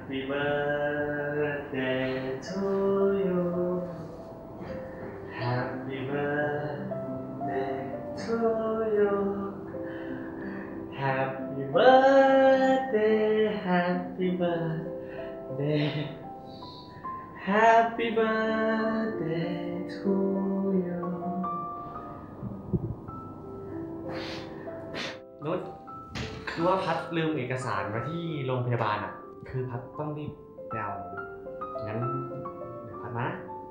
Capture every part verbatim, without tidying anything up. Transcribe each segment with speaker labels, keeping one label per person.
Speaker 1: Happy birthday to you Happy birthday to you Happy birthday Happy birthday Happy birthday to you นุชคือว่าพัดลืมเอกสารมาที่โรงพยาบาลอ่ะคือพัดต้องรีบไปเอางั้นเดี๋ยวพัดมา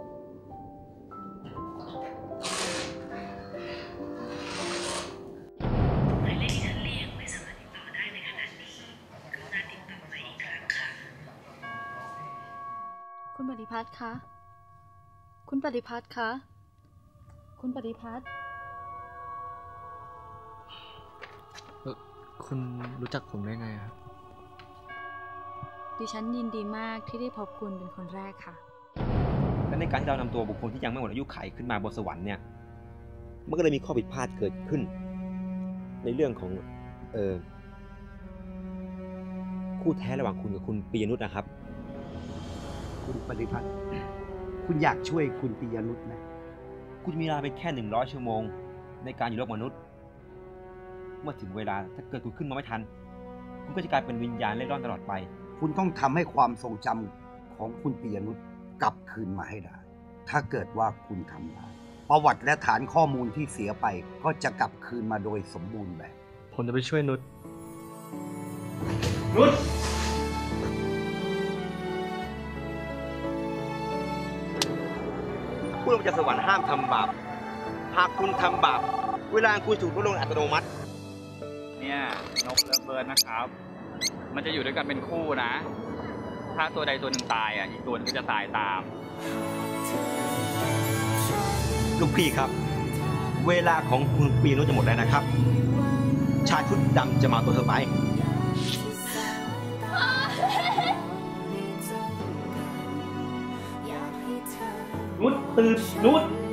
Speaker 2: หมายเลขที่ท่านเรียกไม่สามารถติดต่อได้ในขณะนี้กรุณาติดต่อมาอีกครั้งค่ะ
Speaker 3: คุณปฏิพัฒน์คะคุณปฏิพัฒน์คะคุณปฏิพัฒน์
Speaker 4: คุณรู้จักผมได้ไงครับ
Speaker 3: ดิฉันยินดีมากที่ได้พบคุณเป็นคนแรกค่ะ
Speaker 5: และในการที่เรานำตัวบุคคลที่ยังไม่หมดอายุไขขึ้นมาบนสวรรค์เนี่ยมันก็เลยมีข้อผิดพลาดเกิดขึ้นในเรื่องของเออคู่แท้ระหว่างคุณกับคุณปียนุชนะครับ
Speaker 6: คุณปฏิพัฒน์คุณอยากช่วยคุณปียนุชไหม
Speaker 5: คุณมีเวลาไปแค่หนึ่งร้อยชั่วโมงในการอยู่โลกมนุษย์เมื่อถึงเวลาถ้าเกิดคุณขึ้นมาไม่ทันคุณก็จะกลายเป็นวิญญาณเล่ร่อนตลอดไป
Speaker 6: คุณต้องทำให้ความทรงจำของคุณปียนุชกลับคืนมาให้ได้ถ้าเกิดว่าคุณทำได้ประวัติและฐานข้อมูลที่เสียไปก็จะกลับคืนมาโดยสมบูรณ์แบบ
Speaker 4: ผมจะไปช่วยนุช
Speaker 5: นุชผู้ลงจากสวรรค์ห้ามทำบาปหากคุณทำบาปเวลาคุณถูกลดลงอัตโนมัติ
Speaker 7: เนี่ยนกเลิฟเบิร์ดนะครับมันจะอยู่ด้วยกันเป็นคู่นะถ้าตัวใดตัวหนึ่งตายอ่ะอีกตัวนึงก็จะตายตาม
Speaker 5: ลูกพี่ครับเวลาของคุณปีนุชจะหมดแล้วนะครับชายชุดดำจะมาตัวเธอไปนุชตื่นนุช